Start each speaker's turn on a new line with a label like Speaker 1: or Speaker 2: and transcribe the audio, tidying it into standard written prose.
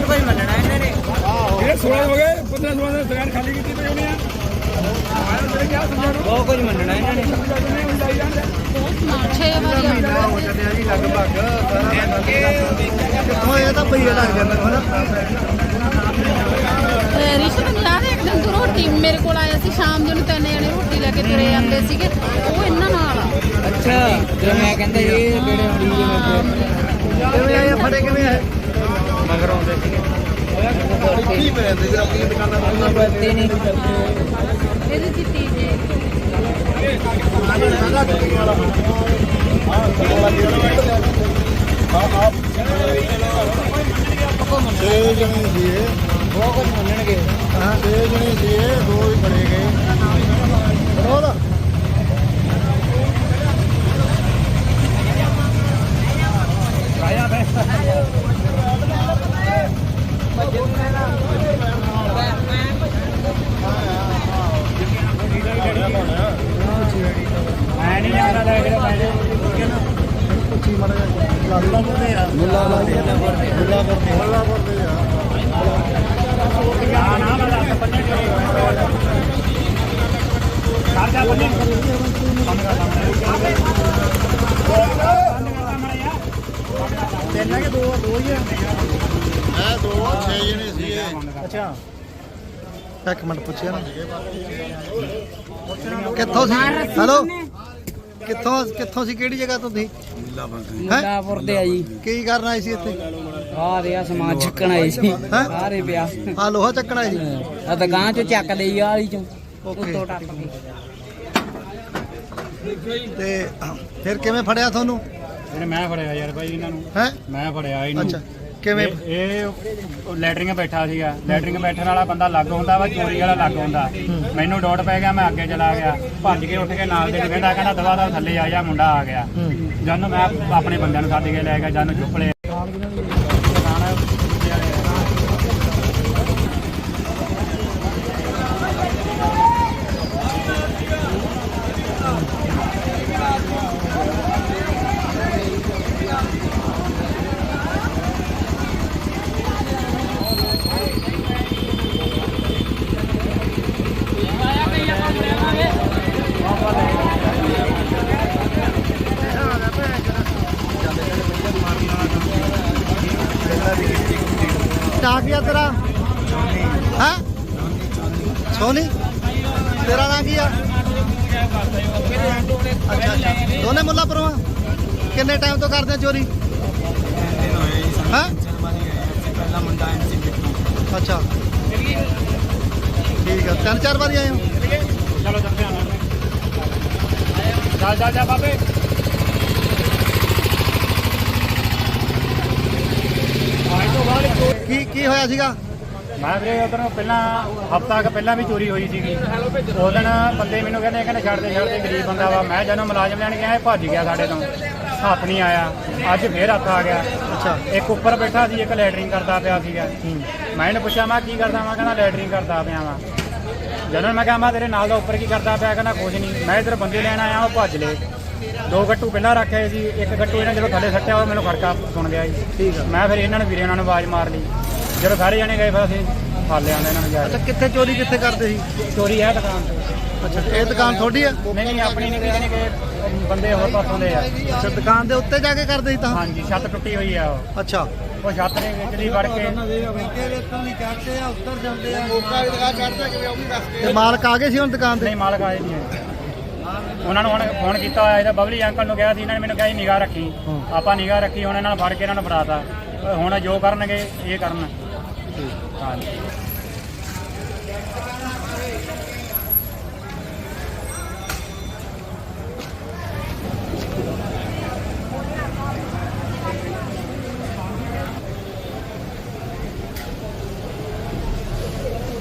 Speaker 1: ਬਹੁਤ ਕੁਝ ਮੰਨਣਾ ਇਹਨਾਂ ਨੇ।
Speaker 2: ਇਹ 16 ਹੋ ਗਏ 15 16 ਦੇ ਦੁਕਾਨ ਖਾਲੀ ਕੀਤੀ ਪਈ ਹੋਣੀ ਆ। ਮੇਰੇ ਕਿਹਾ ਸਮਝਾ ਨੂੰ
Speaker 1: ਬਹੁਤ ਕੁਝ ਮੰਨਣਾ ਇਹਨਾਂ ਨੇ।
Speaker 3: 6 ਵਾਰੀ
Speaker 2: ਮਹੀਨਾ ਹੋ ਚੱਲਿਆ ਜੀ ਲਗਭਗ ਕਿੱਥੋਂ ਇਹ ਤਾਂ ਪਈਆ ਲੱਗ ਜਾਂਦਾ ਹਨਾ।
Speaker 3: ਰਿਸ਼ਤ ਨੂੰ ਯਾਦ ਹੈ ਇੱਕ ਦਿਨ ਤੂੰ ਰੋਟੀ ਮੇਰੇ ਕੋਲ ਆਇਆ ਸੀ ਸ਼ਾਮ ਨੂੰ 3 ਜਣੇ ਰੋਟੀ ਲੈ ਕੇ ਤੁਰੇ ਜਾਂਦੇ ਸੀਗੇ ਉਹ ਇਹਨਾਂ ਨਾਲ ਆ।
Speaker 1: ਅੱਛਾ ਜਦੋਂ ਮੈਂ ਕਹਿੰਦਾ ਇਹ ਕਿਹੜੇ
Speaker 2: ਕਿਵੇਂ ਆਏ ਫੜੇ ਕਿਵੇਂ ਆਏ
Speaker 1: ਮਗਰ ਆਉਂਦੇ ਸੀਗੇ
Speaker 2: ਕੀ ਪੈਂਦੇ ਜੀ ਆਪਣੀ ਦੁਕਾਨਾਂ ਤੋਂ
Speaker 1: ਬੱਤੇ ਨਹੀਂ
Speaker 3: ਇਹਦੀ ਚਿੱਟੀ ਜੀ
Speaker 2: ਛੇ ਜਣੇ ਸੀ
Speaker 1: ਬਹੁਤ ਕੁਝ ਮੰਨਣਗੇ।
Speaker 2: ਹਾਂ 6 ਜਣੇ ਸੀ 2 ਹੀ ਫੜੇ ਗਏ ਬਰੋਲ ਆਇਆ ਬੈ ਮੈਂ ਨਹੀਂ ਜਾਂਦਾ ਲੈ ਕੇ ਪੁੱਛੀ ਮੜਾ ਮੁੱਲਾਪੁਰ ਦੇ ਆ ਮੁੱਲਾਪੁਰ ਦੇ ਆ ਨਾ ਨਾ ਪੰਨੇ ਸਾਡਾ ਪੰਨੇ ਤਿੰਨ ਕਿ ਦੋ ਹੀ ਆ ਮੈਂ 6 ਜਣੇ ਸੀ। ਅੱਛਾ ਇੱਕ ਮਿੰਟ ਪੁੱਛਿਆ ਨਾ ਕਿੱਥੋਂ ਸੀ ਹੈਲੋ ਕਿੱਥੋਂ ਸੀ ਕਿਹੜੀ ਜਗ੍ਹਾ ਤੋਂ ਤੁਸੀਂ
Speaker 1: ਮੁੱਲਾਪੁਰ ਦੇ ਆ ਜੀ।
Speaker 2: ਕੀ ਕਰਨ ਆਏ ਸੀ ਇੱਥੇ
Speaker 1: ਆਹ ਦੇ ਆ ਸਮਾਨ ਚੱਕਣ ਆਏ ਸੀ ਸਾਰੇ ਪਿਆ
Speaker 2: ਆ ਲੋਹਾ ਚੱਕਣ ਆਏ ਸੀ
Speaker 1: ਆ ਦੁਕਾਨ ਚੋਂ ਚੱਕ ਲਈ ਆ ਵਾਲੀ ਚੋਂ
Speaker 2: ਓਕੇ
Speaker 1: ਉੱਤੋਂ ਟੱਪ ਕੇ।
Speaker 2: ਤੇ ਫਿਰ ਕਿਵੇਂ ਫੜਿਆ ਤੁਹਾਨੂੰ
Speaker 4: ਇਹਨੇ ਮੈਂ ਫੜਿਆ ਯਾਰ ਭਾਈ ਇਹਨਾਂ ਨੂੰ
Speaker 2: ਹੈ
Speaker 4: ਮੈਂ ਫੜਿਆ ਇਹਨੂੰ।
Speaker 2: ਅੱਛਾ ਕਿਵੇਂ
Speaker 4: ਇਹ ਲੈਟਰਿੰਗ ਬੈਠਾ ਸੀਗਾ। ਲੈਟਰਿੰਗ ਬੈਠਣ ਵਾਲਾ ਬੰਦਾ ਲੱਗ ਹੁੰਦਾ ਵਾ ਚੋਰੀ ਵਾਲਾ ਲੱਗ ਹੁੰਦਾ। ਮੈਨੂੰ ਡੋਟ ਪੈ ਗਿਆ ਮੈਂ ਅੱਗੇ ਚਲਾ ਗਿਆ ਭੱਜ ਕੇ ਉੱਠ ਕੇ ਨਾਲ ਦੇ ਕਹਿੰਦਾ ਦਵਾ ਦਾ ਥੱਲੇ ਆ ਜਾ ਮੁੰਡਾ ਆ ਗਿਆ। ਜਾਨੂੰ ਮੈਂ ਆਪਣੇ ਬੰਦਿਆਂ ਨੂੰ ਸੱਦ ਕੇ ਲੈ ਗਿਆ ਜਾਨੂੰ ਚੁੱਪ ਲਿਆ।
Speaker 2: ਆ ਗਿਆ ਤੇਰਾ ਹਾਂ ਸੋਨੀ ਤੇਰਾ ਨਾਂ ਕੀ ਆ ਅੱਛਾ ਦੋਨੇ ਮੁੱਲਾਪੁਰੋਂ ਕਿੰਨੇ ਟਾਈਮ ਤੋਂ ਕਰਦੇ ਆ ਚੋਰੀ ਹਾਂ ਅੱਛਾ ਠੀਕ ਆ 3-4 ਵਾਰੀ ਆਏ ਹੋ
Speaker 4: ਚਲੋ ਚੱਲ ਜਾ ਬਾਬੇ।
Speaker 2: ਕੀ ਹੋਇਆ ਸੀਗਾ
Speaker 4: ਮੈਂ ਵੀਰੇ ਉਧਰੋਂ ਪਹਿਲਾਂ ਹਫ਼ਤਾ ਕੁ ਪਹਿਲਾਂ ਵੀ ਚੋਰੀ ਹੋਈ ਸੀਗੀ। ਉਸ ਦਿਨ ਬੰਦੇ ਮੈਨੂੰ ਕਹਿੰਦੇ ਛੱਡਦੇ ਗਰੀਬ ਬੰਦਾ ਵਾ। ਮੈਂ ਜਦੋਂ ਮੁਲਾਜ਼ਮ ਲੈਣ ਗਿਆ ਇਹ ਭੱਜ ਗਿਆ ਸਾਡੇ ਤੋਂ ਹੱਥ ਨਹੀਂ ਆਇਆ। ਅੱਜ ਫੇਰ ਹੱਥ ਆ ਗਿਆ।
Speaker 2: ਅੱਛਾ
Speaker 4: ਇੱਕ ਉੱਪਰ ਬੈਠਾ ਸੀ ਇੱਕ ਲੈਟਰਿੰਗ ਕਰਦਾ ਪਿਆ ਸੀਗਾ। ਮੈਂ ਇਹਨੂੰ ਪੁੱਛਿਆ ਮੈਂ ਕੀ ਕਰਦਾ ਵਾ ਕਹਿੰਦਾ ਲੈਟਰਿੰਗ ਕਰਦਾ ਪਿਆ ਵਾ। ਜਦੋਂ ਮੈਂ ਕਿਹਾ ਮੈਂ ਤੇਰੇ ਨਾਲ ਦਾ ਉੱਪਰ ਕੀ ਕਰਦਾ ਪਿਆ ਕਹਿੰਦਾ ਕੁਝ ਨਹੀਂ। ਮੈਂ ਇੱਧਰ ਬੰਦੇ ਲੈਣ ਆਇਆ ਉਹ ਭੱਜ ਲਏ। 2 ਗੱਟੂ ਪਹਿਲਾਂ ਰੱਖੇ ਸੀ ਇੱਕ ਗੱਟੂ ਇਹਨਾਂ ਜਦੋਂ ਥੱਲੇ ਸੱਟਿਆ ਉਹ ਮੈਨੂੰ ਖੜਕਾ ਸੁਣ ਗਿਆ ਜੀ।
Speaker 2: ਠੀਕ ਆ
Speaker 4: ਮੈਂ ਫਿਰ ਇਹਨਾਂ ਨੂੰ ਵੀਰੇ ਉਹਨਾਂ ਨੂੰ ਆਵਾਜ਼ ਮਾਰ ਲਈ। ਜਦੋਂ ਸਾਰੇ ਜਣੇ ਗਏ ਫਿਰ ਅਸੀਂ ਫੜ ਲਿਆ ਇਹਨਾਂ ਨੂੰ ਜਾ
Speaker 2: ਅੱਛਾ ਕਿੱਥੇ ਚੋਰੀ ਕਿੱਥੇ ਕਰਦੇ ਸੀ
Speaker 4: ਚੋਰੀ ਹੈ ਦੁਕਾਨ ਤੇ।
Speaker 2: ਅੱਛਾ ਇਹ ਦੁਕਾਨ ਤੁਹਾਡੀ ਆ
Speaker 4: ਨਹੀਂ ਆਪਣੀ ਨਹੀਂ ਕਿਤੇ ਕਿ ਬੰਦੇ ਹੋਰ ਪਾਸੋਂ ਦੇ ਆ।
Speaker 2: ਅੱਛਾ ਦੁਕਾਨ ਦੇ ਉੱਤੇ ਜਾ ਕੇ ਕਰਦੇ ਸੀ ਤਾਂ
Speaker 4: ਹਾਂਜੀ ਛੱਤ ਟੁੱਟੀ ਹੋਈ ਆ ਉਹ।
Speaker 2: ਅੱਛਾ
Speaker 4: ਉਹ ਛੱਤ ਦੇ ਵਿੱਚ ਦੀ ਵੜ ਕੇ
Speaker 2: ਤੇ ਮਾਲਕ ਆ ਗਏ ਸੀ ਹੁਣ ਦੁਕਾਨ ਤੇ
Speaker 4: ਨਹੀਂ ਮਾਲਕ ਆਏ ਨਹੀਂ ਹੈ। ਉਹਨਾਂ ਨੂੰ ਹੁਣ ਫੋਨ ਕੀਤਾ ਹੋਇਆ ਇਹਦਾ ਬਬਲੀ ਅੰਕਲ ਨੂੰ ਕਿਹਾ ਸੀ ਇਹਨਾਂ ਨੇ ਮੈਨੂੰ ਕਿਹਾ ਜੀ ਨਿਗਾਹ ਰੱਖੀ। ਆਪਾਂ ਨਿਗਾਹ ਰੱਖੀ ਹੁਣ ਇਹਨਾਂ ਨੂੰ ਫੜ ਕੇ ਇਹਨਾਂ ਨੂੰ ਫੜਾਤਾ। ਹੁਣ ਜੋ ਕਰਨਗੇ ਇਹ ਕਰਨ। ਹਾਂਜੀ